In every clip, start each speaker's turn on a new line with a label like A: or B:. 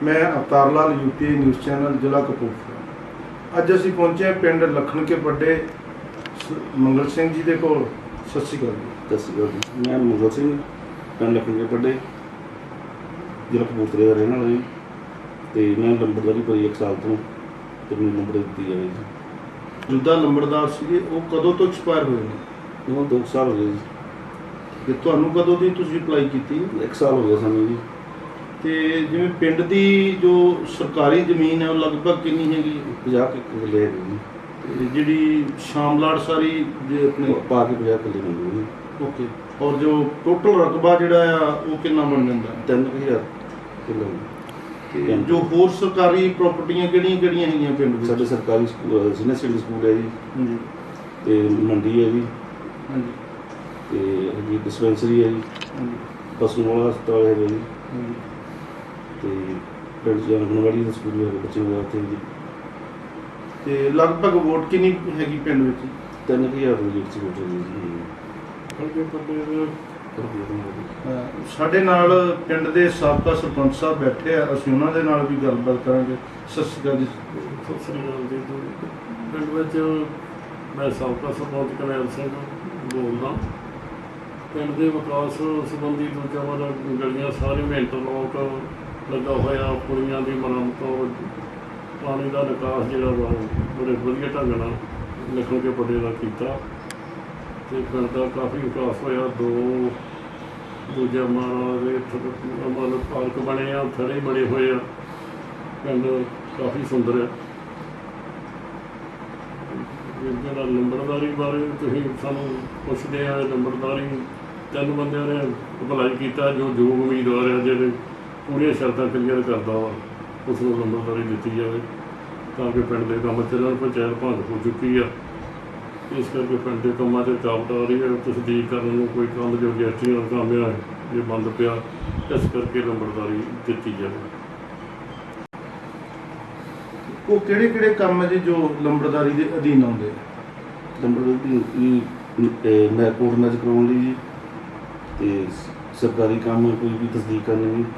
A: मैं अवतार लाल UPI news channel जिला कपूरथला। अज असीं पहुंचे पिंड लखन के पड्डे मंगल सिंह जी दे कोल। सत श्री अकाल जी।
B: सत श्री अकाल जी। मैं मंगल सिंह पिंड लखन के पड्डे जिला कपूरथले का रहने वाला जी। तो मैं लंबड़दारी करी 1 साल तो मैंने नंबर दी जाए जी।
A: जिद्दां लंबड़दार सीगे वो कदों तो एक्सपायर हुए ने?
B: वो 2 साल हो गए जी।
A: ते तुहानूं कदों दी तुसीं अप्लाई कीती?
B: 1 साल हो गया सानूं जी।
A: ते जिवें पिंड दी जो सरकारी ज़मीन है वो लगभग कितनी हैगी?
B: 50 किले है जी।
A: ते जिहड़ी शामलाट सारी जे अपने
B: पा के 50 किले मंगू जी।
A: ओके। और जो टोटल रकबा जिहड़ा आ वो कितना बन जांदा?
B: 3000 किलो।
A: ते जो होर सरकारी प्रॉपर्टियां किहड़ियां हैगियां पिंड विच?
B: साडे सरकारी स्कूल सीनियर सैकेंडरी स्कूल है जी।
A: हाँ जी।
B: ते मंडी है जी।
A: हाँ जी।
B: ते अगे डिस्पेंसरी है जी।
A: हाँ जी।
B: पशु वाला अस्पताल है जी।
A: हाँ जी।
B: तो पिंड आंगनवाड़ी का स्कूल है बच्चे वगैरह उत्थे जी।
A: ते लगभग वोट कितनी हैगी पिंड विच?
B: 3000 ਦੀ ਲੀਡ 'ਚ ਵੋਟ ਹੈ ਜੀ।
A: ਸਾਡੇ ਨਾਲ ਪਿੰਡ ਦੇ ਸਾਬਕਾ ਸਰਪੰਚ ਸਾਹਿਬ ਬੈਠੇ ਆ, ਅਸੀਂ ਉਹਨਾਂ ਦੇ ਨਾਲ ਵੀ ਗੱਲਬਾਤ ਕਰਾਂਗੇ। ਸਤਿ ਸ਼੍ਰੀ ਅਕਾਲ ਜੀ।
C: ਸਤਿ ਸ੍ਰੀ ਅਕਾਲ ਜੀ। ਪਿੰਡ ਵਿੱਚ ਮੈਂ ਸਾਬਕਾ ਸਰਪੰਚ ਕਰਨੈਲ ਸਿੰਘ ਬੋਲਦਾ। ਪਿੰਡ ਦੇ ਵਿਕਾਸ ਸੰਬੰਧੀ ਦੂਜਾ ਵਾਲਾ ਗਲੀਆਂ ਸਾਰੀਆਂ ਇੰਟਰਲੋਕ ਲੱਗਾ ਹੋਇਆ, ਪੁਲੀਆਂ ਦੀ ਮੁਰੰਮਤ, ਪਾਣੀ ਦਾ ਨਿਕਾਸ ਜਿਹੜਾ ਵਾ ਬੜੇ ਵਧੀਆ ਢੰਗ ਨਾਲ ਲਿਖਣ ਕੇ ਪੱਡੇ ਦਾ ਕੀਤਾ ਅਤੇ ਪਿੰਡ ਦਾ ਕਾਫੀ ਵਿਕਾਸ ਹੋਇਆ। ਦੂਜਾ ਮਤਲਬ ਪਾਰਕ ਬਣੇ ਆ, ਥੜੇ ਬਣੇ ਹੋਏ ਆ, ਪਿੰਡ ਕਾਫੀ ਸੁੰਦਰ ਹੈ। ਜਿਹੜਾ ਲੰਬੜਦਾਰੀ ਬਾਰੇ ਤੁਸੀਂ ਸਾਨੂੰ ਪੁੱਛਦੇ ਆ, ਲੰਬੜਦਾਰੀ 3 ਬੰਦਿਆਂ ਨੇ ਅਪਲਾਈ ਕੀਤਾ ਜੋ ਯੋਗ ਉਮੀਦਵਾਰ ਆ, ਜਿਹੜੇ ਪੂਰੀਆਂ ਸ਼ਰਤਾਂ ਕਲੀਅਰ ਕਰਦਾ ਵਾ, ਉਸ ਨੂੰ ਲੰਬੜਦਾਰੀ ਦਿੱਤੀ ਜਾਵੇ ਤਾਂ ਕਿ ਪਿੰਡ ਦੇ ਕੰਮ ਚੱਲਣ। ਪੰਚਾਇਤ ਭੰਗ ਹੋ ਚੁੱਕੀ ਆ, ਇਸ ਕਰਕੇ ਪਿੰਡ ਦੇ ਕੰਮਾਂ 'ਤੇ ਰੁਕਾਵਟ ਆ ਰਹੀ ਹੈ। ਤਸਦੀਕ ਕਰਨ ਨੂੰ ਕੋਈ ਕੰਮ ਜੋ ਰਜਿਸਟਰੀ ਦਾ ਕੰਮ ਆ ਇਹ ਬੰਦ ਪਿਆ, ਇਸ ਕਰਕੇ ਲੰਬੜਦਾਰੀ ਦਿੱਤੀ ਜਾਵੇ।
A: ਉਹ ਕਿਹੜੇ ਕੰਮ ਹੈ ਜੀ ਜੋ ਲੰਬੜਦਾਰੀ ਦੇ ਅਧੀਨ ਆਉਂਦੇ?
B: ਨੰਬਰ ਮੈਂ ਕੋਰਟ ਮੈਚ ਕਰਵਾਉਣ ਲਈ ਜੀ, ਤੇ ਸਰਕਾਰੀ ਕੰਮ ਕੋਈ ਵੀ ਤਸਦੀਕ ਕਰਨੀ ਜੀ,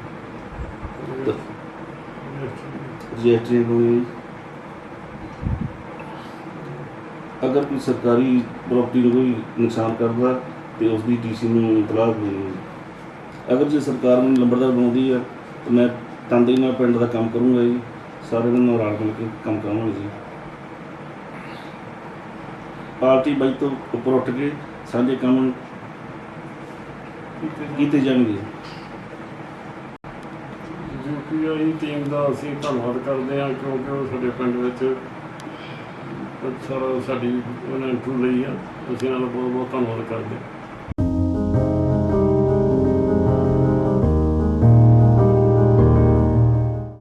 B: ਰਜਿਸਟਰੀ ਕਰਵਾਉਣੀ। अगर कोई सरकारी प्रॉपर्टी में कोई नुकसान करता तो उसकी DC में इतलाह देनी। अगर जो सरकार ने लंबड़दार बनाती है तो मैं तनदेही नाल पिंड का काम करूँगा जी, सारे दिन रल मिल के काम करांगे जी। पार्टी बाई तो उपर उठ के सारे काम किए जाएंगे।
C: UPI ਟੀਮ ਦਾ ਅਸੀਂ ਧੰਨਵਾਦ ਕਰਦੇ ਹਾਂ, ਕਿਉਂਕਿ ਉਹ ਸਾਡੇ ਪਿੰਡ ਵਿੱਚ ਸਾਡੀ ਉਹਨਾਂ ਇੰਟਰਵਿਊ ਲਈ ਆ। ਅਸੀਂ ਇਹਨਾਂ ਦਾ ਬਹੁਤ ਬਹੁਤ ਧੰਨਵਾਦ ਕਰਦੇ ਹਾਂ।